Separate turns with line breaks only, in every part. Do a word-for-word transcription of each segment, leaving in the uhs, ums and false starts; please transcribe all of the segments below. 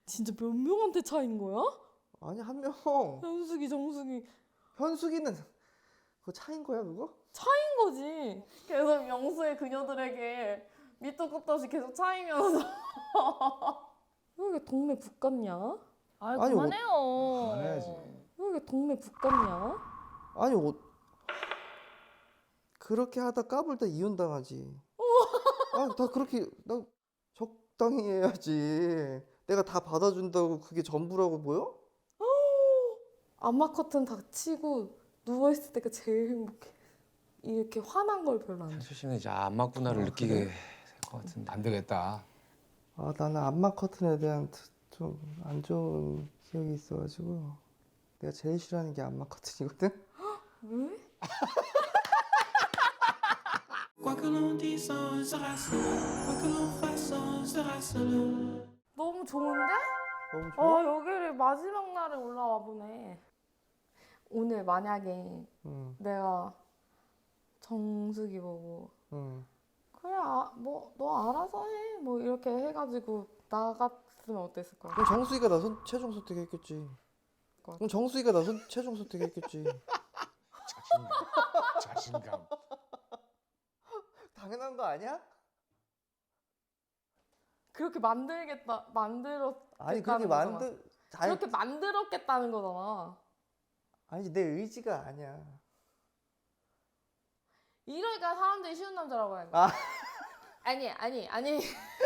진짜 몇 명한테 차인 거야?
아니 한 명.
현숙이, 정숙이
현숙이는 그거 차인 거야 그거?
차인 거지. 계속 명수의 그녀들에게 밑도 끝도 없이 계속 차이면서 왜 이렇게 동네 북 같냐?
아이
아니,
그만해요.
그만해야지.
왜 이렇게 동네 북 같냐?
아니 어, 그렇게 하다 까불다 이혼당하지. 아, 다 그렇게 나 적당히 해야지. 내가 다 받아준다고 그게 전부라고 보여?
암막 커튼 닫히고 누워있을 때가 제일 행복해. 이렇게 화난 걸 별로 안 좋아해.
현수 씨는 이제 안 맞구나를
아,
느끼게
그래?
될 것 같은데.
안 되겠다.
아, 나는 암막 커튼에 대한 좀 안 좋은 기억이 있어가지고 내가 제일 싫어하는 게 암막 커튼이거든.
왜?
Quoi que l'on dise on sera seul, quoi que l'on fasse on sera seul.
너무 좋은데?
너무 좋아?
어 여기를 마지막 날에 올라와 보네. 오늘 만약에
응,
내가 정숙이 보고
응.
그래 아, 뭐 너 알아서 해 뭐 이렇게 해가지고 나갔으면 어땠을 거야?
그럼 정수이가 나 손, 최종 선택했겠지. 그럼 정수이가 나 손, 최종 선택했겠지.
자신감. 자신감.
당연한 거 아니야?
그렇게 만들겠다 만들었
아니 그렇게 만들 아니,
그렇게 만들었겠다는 거잖아.
아니 내 의지가 아니야.
이러니까 사람들이 쉬운 남자라고 하는 거야.
아.
아니 아니 아니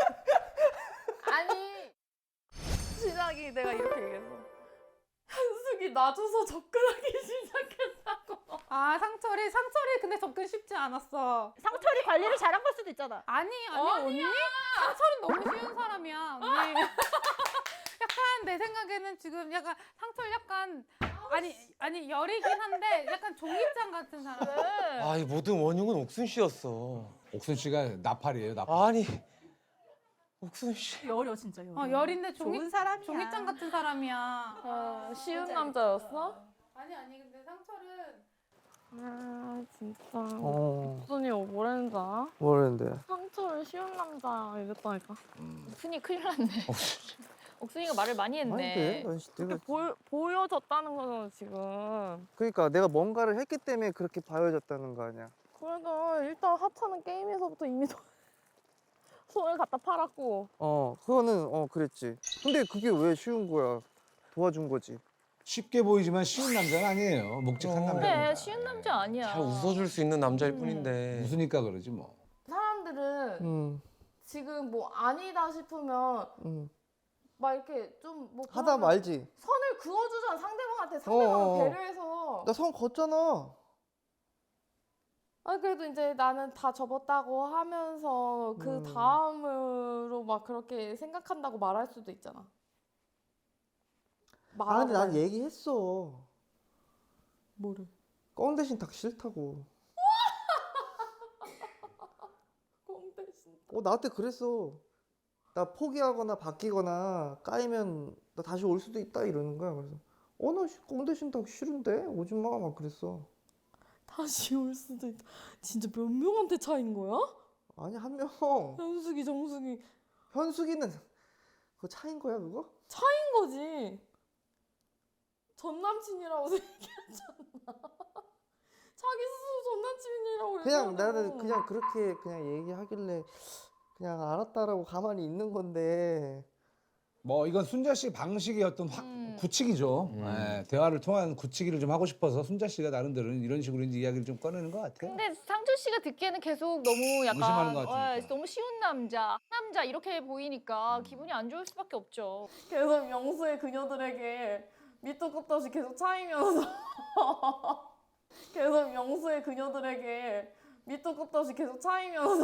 아니 시작이 내가 이렇게 얘기했어. 현숙이 놔줘서 접근하기 시작했다고.
아 상철이 상철이 근데 접근 쉽지 않았어.
상철이 관리를 잘한 걸 수도 있잖아.
아니 아니 언니 상철은 너무 쉬운 사람이야 언니. 약간 내 생각에는 지금 약간 상철 약간 아니 아니 열이긴 한데 약간 종이장 같은 사람.
아, 이 모든 원흉은 옥순 씨였어.
옥순 씨가 나팔이에요. 나팔.
아니, 옥순 씨.
열여 진짜 열여.
어 열인데 종이
좋은 사람이야.
종이장 같은 사람이야.
아, 쉬운 남자였어?
아니 아니 근데 상철은
아 진짜.
어.
옥순이 뭐랬는지 알아?
뭐랬는데?
상처를 쉬운 남자 이랬다니까.
옥순이 큰일 났네. 옥순이가 말을 많이 했네.
아닌데? 난 씨, 내가
보, 보여졌다는 거잖아 지금.
그러니까 내가 뭔가를 했기 때문에 그렇게 봐여졌다는 거 아니야.
그래도 일단 하차는 게임에서부터 이미 손- 손을 갖다 팔았고.
어, 그거는 어 그랬지. 근데 그게 왜 쉬운 거야? 도와준 거지.
쉽게 보이지만 쉬운 남자는 아니에요. 묵직한
어.
남자입니다.
그래 쉬운 남자 아니야.
잘 웃어줄 수 있는 남자일 뿐인데.
웃으니까 그러지 뭐.
사람들은
응,
지금 뭐 아니다 싶으면
응.
막 이렇게 좀뭐
하다 말지.
선을 그어주잖아 상대방한테 상대방을
어어어.
배려해서.
나 선 걷잖아.
아 그래도 이제 나는 다 접었다고 하면서 그
음.
다음으로 막 그렇게 생각한다고 말할 수도 있잖아.
아, 근데
말하고
난
말-
얘기했어.
뭐를?
껌 대신 닭 싫다고.
꽁 대신.
어, 나한테 그랬어. 나 포기하거나 바뀌거나 까이면 나 다시 올 수도 있다 이러는 거야. 그래서 어, 나껌 대신 닭 싫은데? 오지 마. 막 그랬어.
다시 올 수도 있다. 진짜 몇 명한테 차인 거야?
아니, 한 명.
현숙이, 정숙이
현숙이는 그거 차인 거야, 그거?
차인 거지. 전 남친이라고 얘기하잖아. 자기 스스로 전 남친이라고
그냥
얘기하고.
나는 그냥 그렇게 그냥 얘기하길래 그냥 알았다라고 가만히 있는 건데.
뭐 이건 순자 씨 방식의 어떤 확
음.
굳히기죠.
음.
예, 대화를 통한 굳히기를 좀 하고 싶어서 순자 씨가 나름대로 이런 식으로 이제 이야기를 좀 꺼내는 것 같아요.
근데 상철 씨가 듣기에는 계속 너무
무심하는
약간
것 같으니까.
어, 너무 쉬운 남자, 남자 이렇게 보이니까 기분이 안 좋을 수밖에 없죠.
계속 명수의 그녀들에게 밑도 끝도 없이 계속 차이면서 계속 명수의 그녀들에게 밑도 끝도 없이 계속 차이면서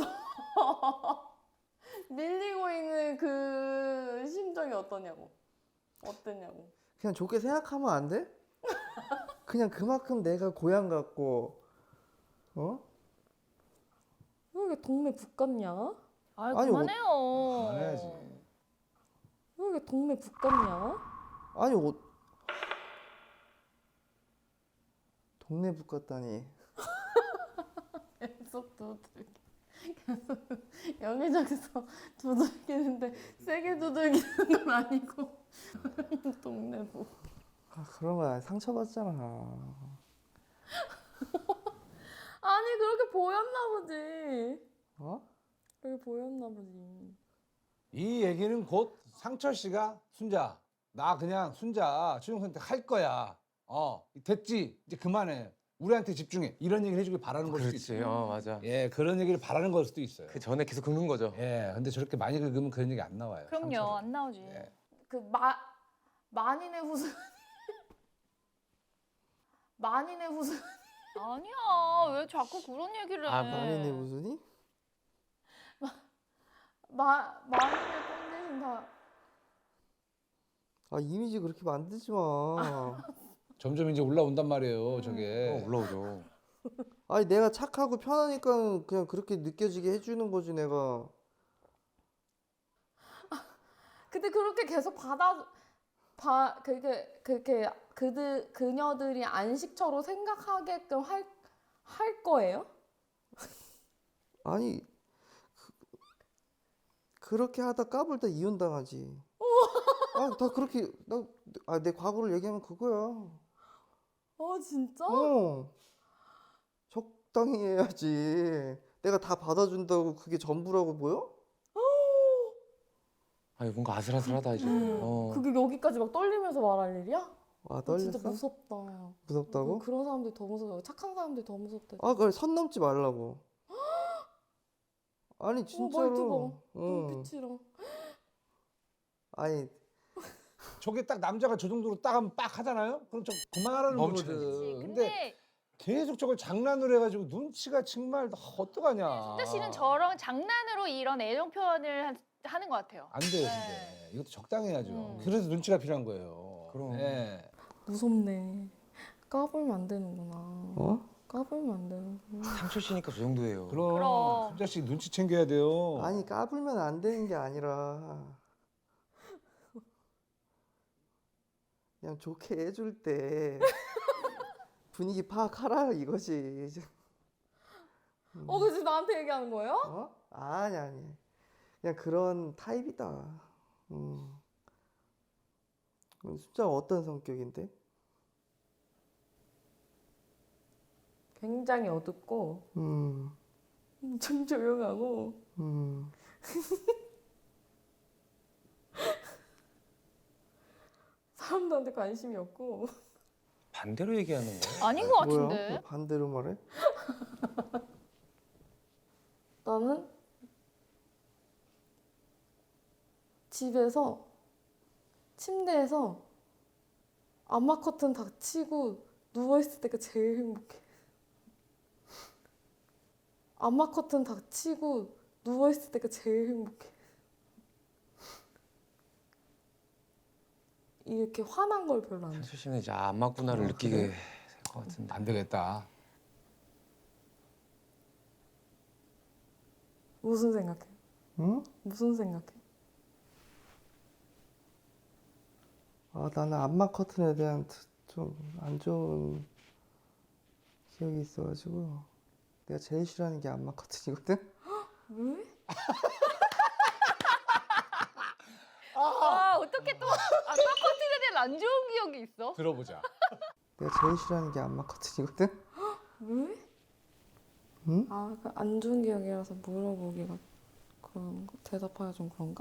밀리고 있는 그 심정이 어떠냐고. 어땠냐고.
그냥 좋게 생각하면 안 돼? 그냥 그만큼 내가 고향 같고, 어?
왜 이렇게 동네 북 같냐?
아이
아니,
그만해요.
그만해야지.
왜 이렇게 동네 북 같냐?
아니, 옷. 동네 북 같다니.
계속 두들기. 여기저기서 두들기는데 세게 두들기는 건 아니고 동네부.
아, 그러면 상처받잖아.
아니 그렇게 보였나 보지.
어?
그렇게 보였나 보지.
이 얘기는 곧 상철 씨가 순자 나 그냥 순자 최종 선택할 거야. 어 됐지 이제 그만해. 우리한테 집중해. 이런 얘기를 해주길 바라는 걸 수도
그렇지.
있어요.
어 맞아.
예 그런 얘기를 바라는 걸 수도 있어요.
그 전에 계속 긁는 거죠.
예 근데 저렇게 많이 긁으면 그런 얘기 안 나와요.
그럼요,
상처를.
안 나오지.
예.
그 마 만인의 후순. 만인의 후순.
아니야, 왜 자꾸 그런 얘기를 해?
아,
아니네 무슨이?
마 만인의 꼰대신 다.
아 이미지 그렇게 만들지 마.
점점 이제 올라온단 말이에요.
어,
저게.
올라오죠.
아니 내가 착하고 편하니까 그냥 그렇게 느껴지게 해주는 거지 내가.
근데 그렇게 계속 받아 봐 그게 그렇게 그들 그녀들이 안식처로 생각하게끔 할 할 거예요?
아니 그, 그렇게 하다 까불다 이혼 당하지. 아 다 그렇게 나아내 과거를 얘기하면 그거야.
어 진짜?
어 적당히 해야지. 내가 다 받아준다고 그게 전부라고 보여?
아니 뭔가 아슬아슬하다 이제.
음.
어.
그게 여기까지 막 떨리면서 말할 일이야?
아
어,
떨렸어?
진짜 무섭다.
무섭다고?
그, 그런 사람들이 더 무서워. 착한 사람들이 더 무섭대.
아 그래 선 넘지 말라고. 아니
어,
진짜로.
말투가.
응.
눈빛이랑.
아니
저게 딱 남자가 저 정도로 딱 하면 빡 하잖아요. 그럼 저 그만하라는
멈춰야지.
거거든.
근데,
근데 계속 저걸 장난으로 해가지고 눈치가 정말 어떡하냐.
순자 씨는 저런 장난으로 이런 애정 표현을 하- 하는 것 같아요.
안 돼요,
네.
근데. 이것도 적당히 해야죠.
음.
그래서 눈치가 필요한 거예요.
그럼.
예.
무섭네. 까불면 안 되는구나.
어?
까불면 안 되는구나.
상철 씨니까 저 정도예요.
그럼,
그럼.
순자 씨 눈치 챙겨야 돼요.
아니 까불면 안 되는 게 아니라 그냥 좋게 해줄 때 분위기 파악하라 이거지.
어, 그지 나한테 얘기하는 거예요?
어? 아니 아니 그냥 그런 타입이다. 음. 숫자가 어떤 성격인데?
굉장히 어둡고
음,
엄청 조용하고
음.
사람들한테 관심이 없고
반대로 얘기하는 거예요.
아닌 것
뭐야?
같은데.
왜 반대로 말해?
나는 집에서 침대에서 암막 커튼 닫히고 누워있을 때가 제일 행복해. 암막 커튼 닫히고 누워있을 때가 제일 행복해. 이렇게 화난 걸 별로 안 좋아해.
상철 씨는 이제 안 맞구나를
어,
느끼게
그래?
될 것 같은데.
안 되겠다.
무슨 생각해?
응?
무슨 생각해?
아 나는 암막 커튼에 대한 좀 안 좋은 기억이 있어가지고 내가 제일 싫어하는 게 암막 커튼이거든.
왜?
아, 어떻게 또 아까 커튼에 대한 안 좋은 기억이 있어?
들어보자.
내가 제일 싫어하는 게 암막 커튼이거든.
왜?
응?
아, 그 안 좋은 기억이라서 물어보기가 그런 거? 대답하기가 좀 그런가?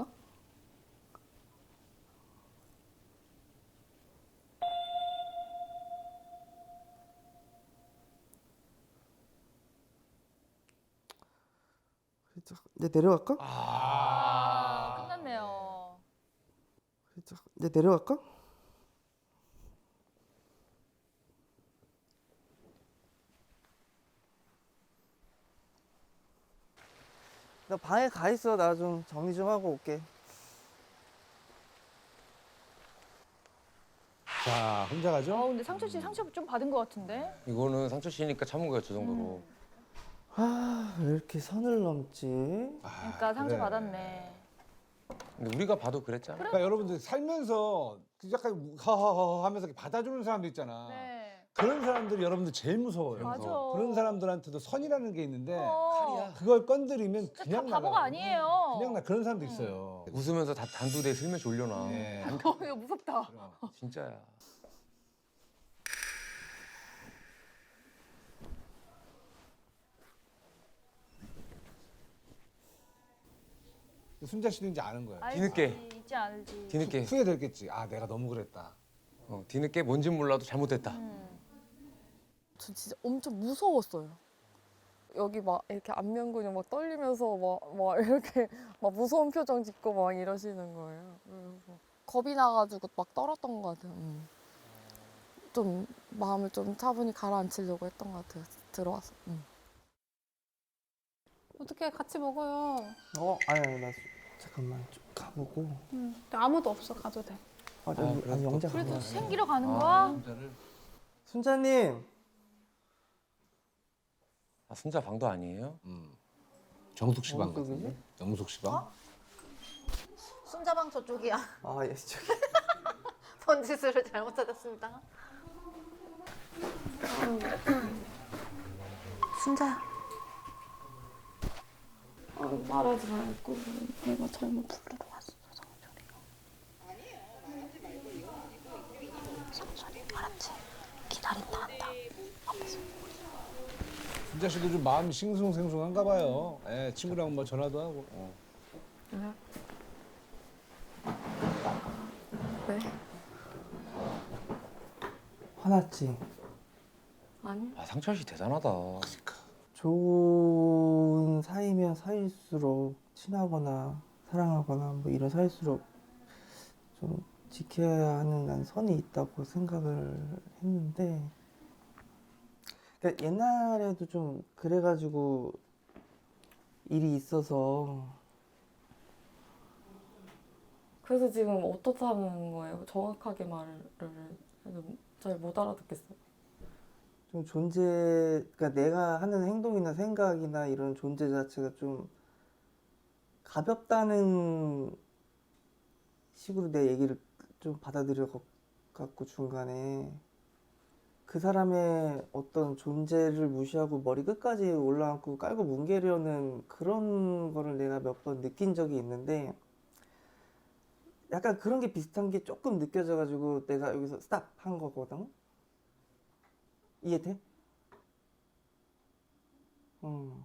이제 내려갈까?
아.
끝났네요.
이제 내려갈까? 나 방에 가 있어. 나 좀 정리 좀 하고 올게.
자, 혼자
아,
가죠?
근데 상철 씨 상처 좀 받은 것 같은데?
이거는 상철 씨니까 참은 거예요, 저 정도로.
아, 왜 이렇게 선을 넘지?
아,
그러니까 상처
그래.
받았네.
근데 우리가 봐도 그랬잖아.
그러니까 여러분들 살면서 그 약간 하하하 하면서 이렇게 받아주는 사람도 있잖아.
네.
그런 사람들이 여러분들 제일 무서워요.
맞아.
그런 사람들한테도 선이라는 게 있는데
어.
그걸 건드리면
진짜
그냥
다 바보가
나가요.
아니에요.
그냥 나 그런 사람도 있어요.
웃으면서 다 단두대 슬며시 올려놔.
네.
어, 이거 무섭다.
진짜야.
순자 씨도 이제 아는 거예요.
알지,
뒤늦게.
이제 알지.
뒤늦게.
후회됐겠지. 아 내가 너무 그랬다.
어, 뒤늦게 뭔진 몰라도 잘못됐다.
음.
저 진짜 엄청 무서웠어요. 여기 막 이렇게 안면 근육 막 떨리면서 막, 막 이렇게 막 무서운 표정 짓고 막 이러시는 거예요. 그래서 겁이 나가지고 막 떨었던 것 같아요. 음. 좀 마음을 좀 차분히 가라앉히려고 했던 것 같아요. 들어와서. 음.
어떻게 같이 먹어요?
어 아니 아니 나 잠깐만 좀 가보고.
응. 근데 아무도 없어 가도 돼.
아, 저,
아,
아니
그래도
영자
그래도
가봐.
생기러 가는
아.
거야?
순자를
순자님.
아, 순자 방도 아니에요?
음. 정숙 씨 방
정숙이지?
같은데? 정숙 씨 방?
순자방 저쪽이야.
아 예, 저기.
번지수를 잘못 찾았습니다. 순자야.
아, 말하지 말고 내가 잘못 부르러 왔어.
성철이 알았지? 기다린다 한다.
순자 씨도 좀 마음이 싱숭생숭한가 봐요. 예, 친구랑 뭐 전화도 하고. 어.
네?
화났지.
아니?
아, 상철 씨 대단하다.
좋은 사이면 사이일수록 친하거나 사랑하거나 뭐 이런 사이일수록 좀 지켜야 하는 난 선이 있다고 생각을 했는데 그러니까 옛날에도 좀 그래가지고 일이 있어서
그래서 지금 어떻다는 거예요? 정확하게 말을 잘 못 알아듣겠어요.
좀 존재, 그러니까 내가 하는 행동이나 생각이나 이런 존재 자체가 좀 가볍다는 식으로 내 얘기를 좀 받아들여 갖고 중간에 그 사람의 어떤 존재를 무시하고 머리 끝까지 올라앉고 깔고 뭉개려는 그런 거를 내가 몇 번 느낀 적이 있는데 약간 그런 게 비슷한 게 조금 느껴져가지고 내가 여기서 스탑 한 거거든. 이해돼? 음.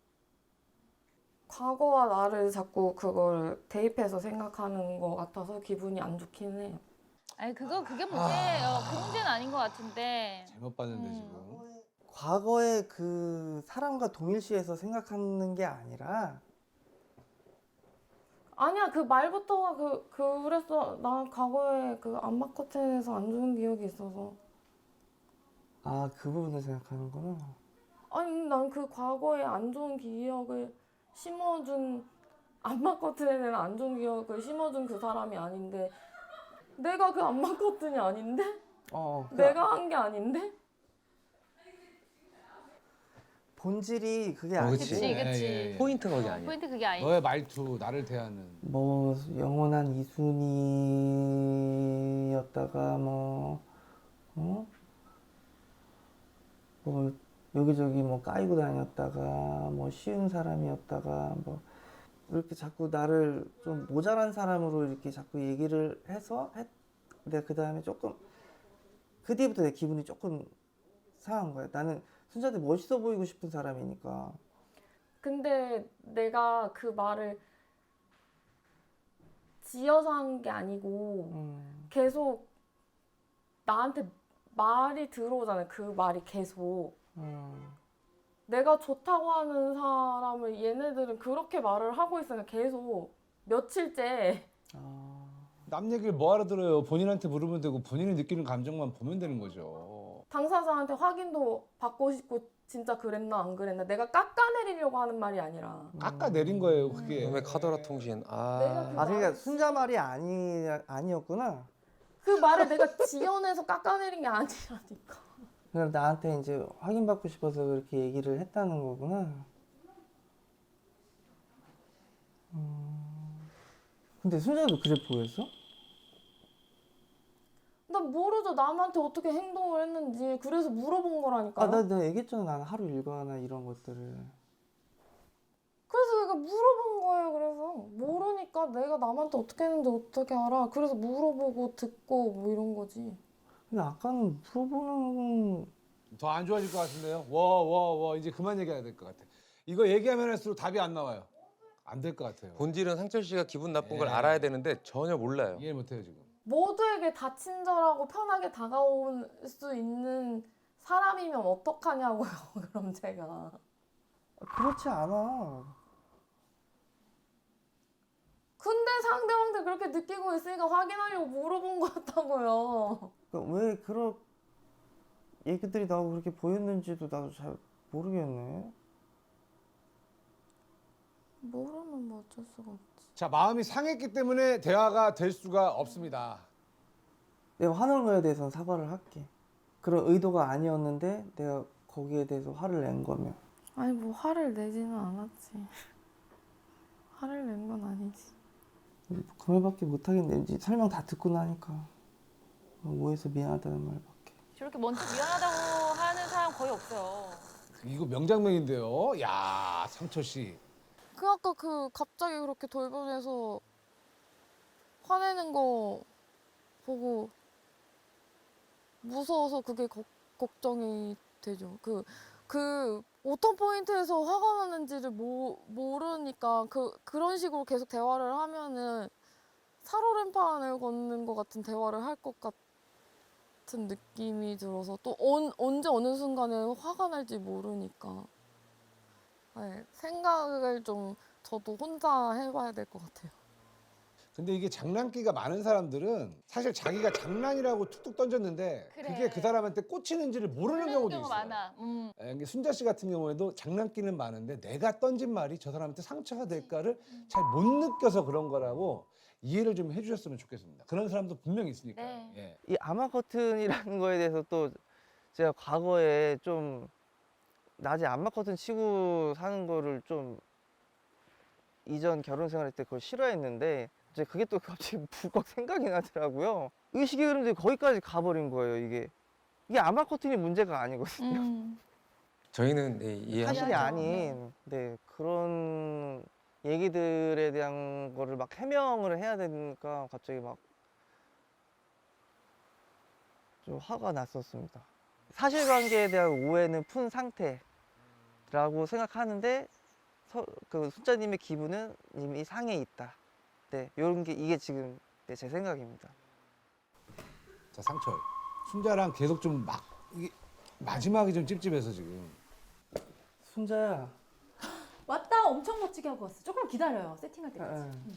과거와 나를 자꾸 그걸 대입해서 생각하는 것 같아서 기분이 안 좋긴 해.
아니 그거 그게 문제예요. 그 문제는 아닌 것 같은데.
잘못 봤는데
음.
지금.
과거의 그 사람과 동일시해서 생각하는 게 아니라
아니야, 그 말부터가 그, 그랬어. 난 과거에 그 안마 커튼에서 안 좋은 기억이 있어서.
아, 그 부분을 생각하는구나.
아니, 난 그 과거에 안 좋은 기억을 심어준, 안마 커튼에는 안 좋은 기억을 심어준 그 사람이 아닌데, 내가 그 안마 커튼이 아닌데?
어, 그
내가 한 게 아닌데?
본질이 그게
어,
아니지.
그치, 그치.
예, 예.
포인트가 그게 아니야.
포인트 그게 아니지.
너의 말투 나를 대하는.
뭐 영원한 이순이었다가 뭐 어? 뭐 여기저기 뭐 까이고 다녔다가 뭐 쉬운 사람이었다가 뭐 이렇게 자꾸 나를 좀 모자란 사람으로 이렇게 자꾸 얘기를 해서 했, 내가 그 다음에 조금 그 뒤부터 내 기분이 조금 상한 거야. 나는 순자한테 멋있어 보이고 싶은 사람이니까.
근데 내가 그 말을 지어서 한 게 아니고,
음.
계속 나한테 말이 들어오잖아요. 그 말이 계속.
음.
내가 좋다고 하는 사람을 얘네들은 그렇게 말을 하고 있으니까 계속 며칠째.
아.
남 얘기를 뭐하러 들어요. 본인한테 물으면 되고 본인이 느끼는 감정만 보면 되는 거죠.
당사자한테 확인도 받고 싶고 진짜 그랬나 안 그랬나 내가 깎아내리려고 하는 말이 아니라
깎아 내린 거예요 그게.
그다음에 카더라 통신.
내가
아,
그
아, 그러니까 순자 말이 아니 아니었구나.
그 말을 내가 지어내서 깎아내린 게 아니라니까.
그냥 나한테 이제 확인받고 싶어서 그렇게 얘기를 했다는 거구나. 음. 근데 순자도 그래 보였어?
나 난 모르죠. 남한테 어떻게 행동을 했는지. 그래서 물어본 거라니까요.
아, 나, 나 얘기했잖아. 나는 하루 일과나 이런 것들을.
그래서 내가 물어본 거예요. 그래서 모르니까 내가 남한테 어떻게 했는지 어떻게 알아. 그래서 물어보고 듣고 뭐 이런 거지.
근데 아까는 물어보는
더 안 좋아질 것 같은데요. 와, 와, 와. 이제 그만 얘기해야 될 것 같아. 이거 얘기하면 할수록 답이 안 나와요. 안 될 것 같아요.
본질은 상철 씨가 기분 나쁜 걸
예.
알아야 되는데 전혀 몰라요.
이해 못해요 지금.
모두에게 다 친절하고 편하게 다가올 수 있는 사람이면 어떡하냐고요. 그럼 제가.
그렇지 않아.
근데 상대방들 그렇게 느끼고 있으니까 확인하려고 물어본 것 같다고요.
그러니까 왜 그런 얘기들이 나오고 그렇게 보였는지도 나도 잘 모르겠네.
모르면 뭐 어쩔 수가 없지.
자, 마음이 상했기 때문에 대화가 될 수가 없습니다.
내가 화난 거에 대해서는 사과를 할게. 그런 의도가 아니었는데 내가 거기에 대해서 화를 낸 거면.
아니 뭐 화를 내지는 않았지. 화를 낸 건 아니지.
그 말밖에 못하겠네. 이제 설명 다 듣고 나니까. 오해해서 미안하다는 말밖에.
저렇게 먼저 미안하다고 하는 사람 거의 없어요.
이거 명장면인데요. 야, 상철 씨.
그 아까 그 갑자기 그렇게 돌변해서 화내는 거 보고 무서워서 그게 걱- 걱정이 되죠. 그, 그 어떤 포인트에서 화가 나는지를 모, 모르니까 그, 그런 식으로 계속 대화를 하면은 살얼음판을 걷는 것 같은 대화를 할 것 같은 느낌이 들어서 또 언, 언제 어느 순간에 화가 날지 모르니까 네, 생각을 좀 저도 혼자 해봐야 될 것 같아요.
근데 이게 장난기가 많은 사람들은 사실 자기가 장난이라고 툭툭 던졌는데
그래.
그게 그 사람한테 꽂히는지를 모르는 경우도 있어요.
많아. 음.
예, 이게 순자 씨 같은 경우에도 장난기는 많은데 내가 던진 말이 저 사람한테 상처가 될까를 잘 못 느껴서 그런 거라고 이해를 좀 해주셨으면 좋겠습니다. 그런 사람도 분명히 있으니까.
네.
예.
이 아마 커튼이라는 거에 대해서 또 제가 과거에 좀 낮에 암막 커튼 치고 사는 거를 좀 이전 결혼 생활할 때 그걸 싫어했는데 이제 그게 또 갑자기 불컥 생각이 나더라고요. 의식의 흐름들이 거기까지 가버린 거예요. 이게 이게 암막 커튼이 문제가 아니거든요.
음.
저희는 네, 이해합니다.
사실이
이해하죠.
아닌 네, 그런 얘기들에 대한 거를 막 해명을 해야 되니까 갑자기 막 좀 화가 났었습니다. 사실관계에 대한 오해는 푼 상태라고 생각하는데 서, 그 순자님의 기분은 이미 상해 있다. 네, 이런 게 이게 지금 네, 제 생각입니다.
자, 상철. 순자랑 계속 좀 막 이게 마지막이 좀 찝찝해서 지금.
순자야.
왔다 엄청 멋지게 하고 왔어. 조금 기다려요. 세팅할 때까지.
응.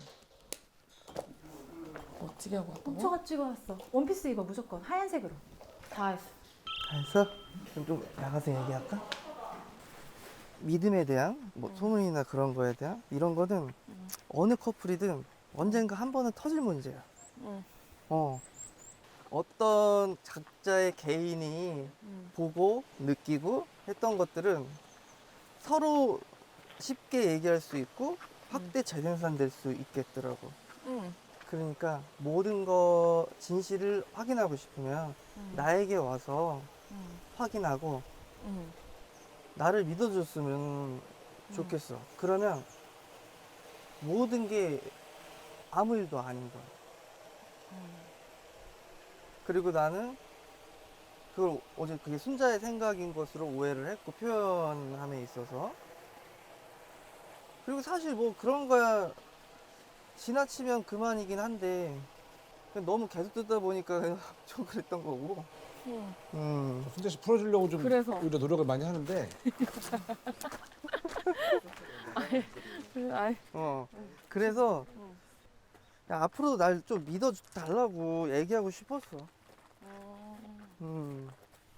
멋지게 하고 왔다고?
엄청 멋지게 왔어. 원피스 입어 무조건 하얀색으로. 다 했어.
알았어? 그럼 좀 나가서 얘기할까? 믿음에 대한 뭐 소문이나 그런 거에 대한 이런 거는 어느 커플이든 언젠가 한 번은 터질 문제야.
응.
어. 어떤 각자의 개인이
응.
보고 느끼고 했던 것들은 서로 쉽게 얘기할 수 있고 확대 재생산될 수 있겠더라고.
응.
그러니까 모든 거 진실을 확인하고 싶으면
응.
나에게 와서
응.
확인하고
응.
나를 믿어줬으면 좋겠어. 그러면 모든 게 아무 일도 아닌 거야. 그리고 나는 그걸 어제 그게 순자의 생각인 것으로 오해를 했고 표현함에 있어서 그리고 사실 뭐 그런 거야 지나치면 그만이긴 한데 그냥 너무 계속 듣다 보니까 그냥 좀 그랬던 거고.
응.
음.
순자 씨 풀어주려고 좀
그래서.
오히려 노력을 많이 하는데
그래, 아이.
어. 그래서 야, 앞으로도 날 좀 믿어 달라고 얘기하고 싶었어. 음.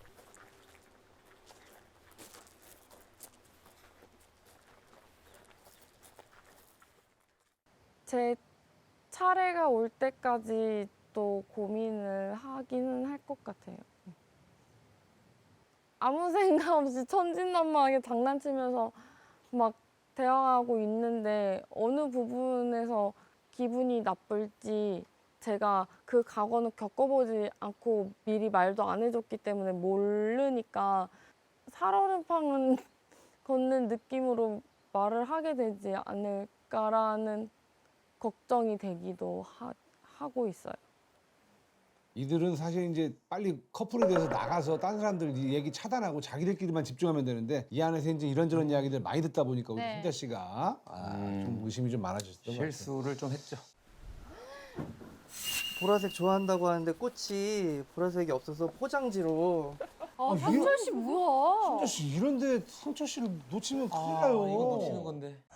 제 차례가 올 때까지 또 고민을 하기는 할 것 같아요. 아무 생각 없이 천진난만하게 장난치면서 막 대화하고 있는데 어느 부분에서 기분이 나쁠지 제가 그 과거는 겪어보지 않고 미리 말도 안 해줬기 때문에 모르니까 살얼음판은 걷는 느낌으로 말을 하게 되지 않을까라는 걱정이 되기도 하, 하고 있어요.
이들은 사실 이제 빨리 커플이 돼서 나가서 다른 사람들 이 얘기 차단하고 자기들끼리만 집중하면 되는데 이 안에서 이제 이런저런 이야기들 많이 듣다 보니까 우리
네.
순자 씨가 아,
음.
좀 의심이 좀 많아졌던 것 같아요.
실수를 좀 했죠.
보라색 좋아한다고 하는데 꽃이 보라색이 없어서 포장지로
아,
아,
상철 씨 뭐야?
순자 씨 이런데 상철 씨를 놓치면 큰일
아,
나요.
이거 놓치는 건데.